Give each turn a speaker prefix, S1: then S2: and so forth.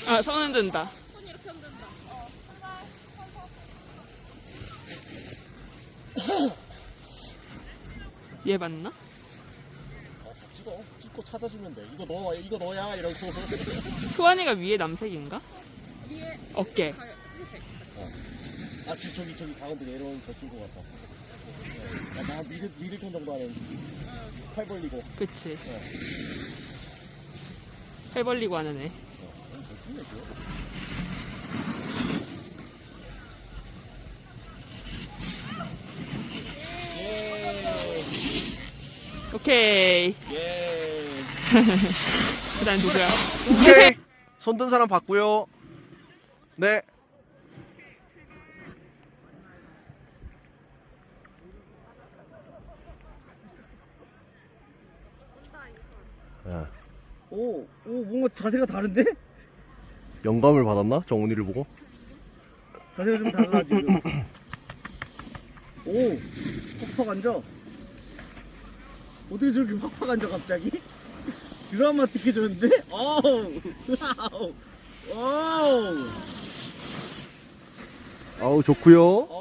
S1: 아, 손 흔든다.
S2: 손 이렇게 흔든다.
S1: 얘 맞나?
S3: 아, 다 찍고 찾아주면 돼. 이거 너야 이러고.
S1: 수환이가 위에 남색인가?
S2: 위에
S1: 어깨.
S2: 회색.
S3: 아, 저기 가운데 내려오는 저 친구 같다. 나 미들턴 정도 하는. 팔 벌리고.
S1: 그치. 팔 벌리고 하는 애.
S3: 저 친구 죠
S1: 오케이.
S3: 예.
S1: 그 다음 누구야?
S3: 오케이. 손든 사람 봤고요. 네.
S4: 오, 뭔가 자세가 다른데?
S3: 영감을 받았나? 정훈이를 보고?
S4: 자세가 좀 달라 지금. 오, 팍팍 앉아. 어떻게 저렇게 팍팍 앉아 갑자기? 드라마틱해 졌는데? 어우, 와우, 와우.
S3: 아우, 좋고요.